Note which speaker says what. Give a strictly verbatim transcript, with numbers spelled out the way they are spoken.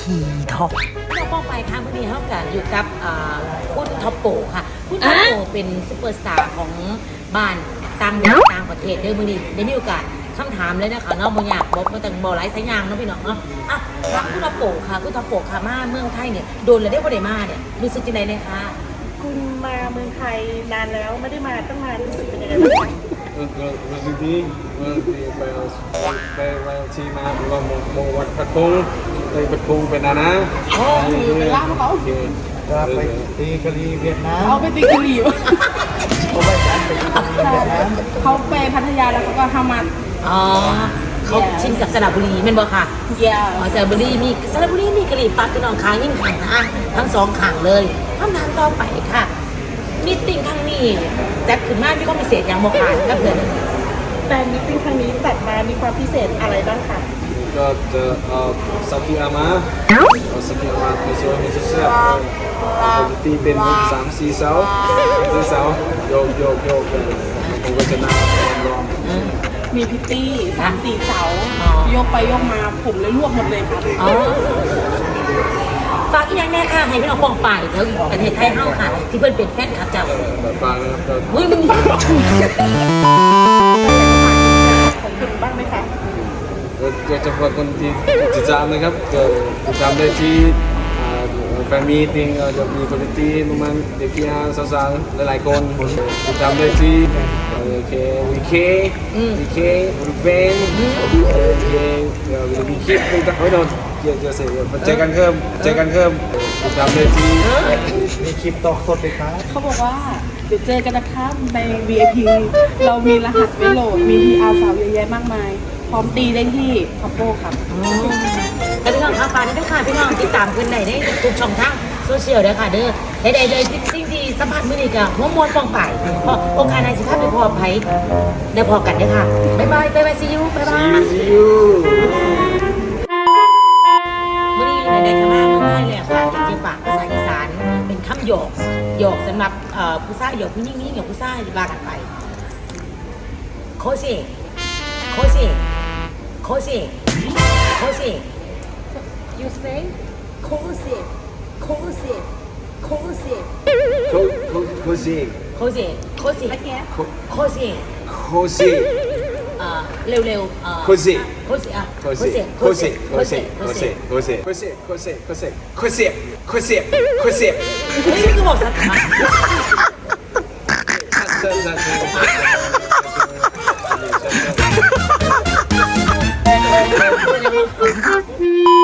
Speaker 1: ทีท็อป
Speaker 2: เราป้องไปค่ะวันนี้เขากับอยู่กับคุณท็อปโปค่ะคุณท็อปโปเป็นซุปเปอร์สตาร์ของบ้านต่างแดนต่างประเทศเด้อมื้อนี้ได้มีโอกาสคำถามเลยนะคะเนาะบ่อยากบอกมาแต่บ่หลายสายยางเนาะพี่น้องเนาะอ่ะถามคุณท็อปโปค่ะคุณท็อปโปค่ะมาเมืองไทยเนี่ยโดนแล้วได้บ่ได้มาเนี่ยรู้สึกจังได๋เนี่ยคะ
Speaker 3: คุณมาเมืองไทยนานแล้วไม่ได้มาตั้งนานรู้สึกเป็นยังไงบ้างคะ
Speaker 4: รู้สึกดีรู้สึกดีไปไปไปที่มาว่าโมโมวัดพัดพงไปพัดพงเป็นนะนะโอ้
Speaker 3: ไปล่าเขา
Speaker 4: จะไปตีกะลีเวียดนาม
Speaker 3: เขาไปตีกะหรี่
Speaker 4: เขาไปกันไปตีกะลีเวียดนาม
Speaker 3: เขาไปพัทยาแล้วเขาก็ทำมา
Speaker 2: อ๋อเขาชินกับสระบุรีแม่นบ่ค่ะ
Speaker 3: เยี่ย
Speaker 2: อ๋อสระบุรีมีสระบุรีมีกะหรี่ปั๊บพี่น้องค้างยิ่งขังนะทั้งสองขังเลยคำถามต่อไปค่ะมีตติ้งครั้งนี้จัดขึ้นมามีความพิเศษอย่างบ่ค่ะกับเพื่อน
Speaker 3: แฟนมิตติ้งครั้งนี้จัดมามีความพิเศษอะไรบ้างคะ
Speaker 4: ก็จะเอาสักที่อามาเอาสักที่อามาไปช่วยให้เสียบปกติเป็นสามสี่เสาสี่เสาโยกโยกโยกผมก็จะนั่งรอ
Speaker 3: มีพิตตี้สามสี่เสาโยกไปโยกมาผมเลยลวกหมดเลยครับ
Speaker 2: อ๋อฝากอีกอย่างแน่ค่ะให้พี่น้องปองไปเถอะประเทศไทยเฮาค่ะ ที่เพิ่นเป็นแฟนคลับเจ้า
Speaker 4: แบบฟังนะครับก็
Speaker 2: อุ้ยมึง
Speaker 3: ของคุณบ้างไหมคะ
Speaker 4: ก็จะฝากคนที่ติดตามนะครับก็ติดตามได้ที่แฟนมีติ้งจะมีคอมมิตี้ประมาณเด็กที่สาวๆหลายๆคนติดตามได้ที่โอเควีเควีเควีเฟนโอเคเดี๋ยวมีคลิปต่างๆไว้นอนเดี๋ยวจะเสร็จเจอกันเพิ่มเจอกันเพิ่มติดตามได้ที่มีคลิปต่อสดเลยครับ
Speaker 3: เขาบอกว่าเดี๋ยวเจอกันนะครับใน วี ไอ พี เรามีรหัสไว้โหลดมี พี อาร์ สาวเยอะแยะมากมายพร้อมตีได้ที่คอปโป้ครับ
Speaker 2: แต่พี่น้องค่ะฝากด้วยค่ะพี่น้องติดตามเพิ่นได้ในทุกช่องทางโซเชียลเด้อค่ะเด้อให้ได้เลยสิ่งที่สัมผัสมื้อนี้ก็หัวมวนปองไปเพราะโอกาสในสิพาไปพอไผได้พอกันเด้อค่ะบ๊ายบายบ๊ายบาย see you บ๊ายบาย
Speaker 4: see you
Speaker 2: มื่อนี้ในในคณะเมืองไทยเลยค่ะอยากจะฝากภาษาอีสานเป็นคำหยอกหยอกสำหรับผู้ชายหยอกผู้หญิงนี่หยอกผู้ชายว่ากันไปโคเซโคเซโคเซโคเซ
Speaker 3: you say
Speaker 2: โคเซโคเซโคเซ
Speaker 4: โคโคโคซี
Speaker 2: โคเซโคเซ
Speaker 3: again
Speaker 2: โคเซ
Speaker 4: โคซี
Speaker 2: เร็วเร็วๆ
Speaker 4: โคซี
Speaker 2: โคเซอ่ะ
Speaker 4: โคซีโคซีโคซีโคซีโคซีโคซีโคซีโคซีโคซีโคซีโคซี
Speaker 2: เฮ้ยคือบอกสัตว์
Speaker 4: ใช่ใช่ใช่ใช่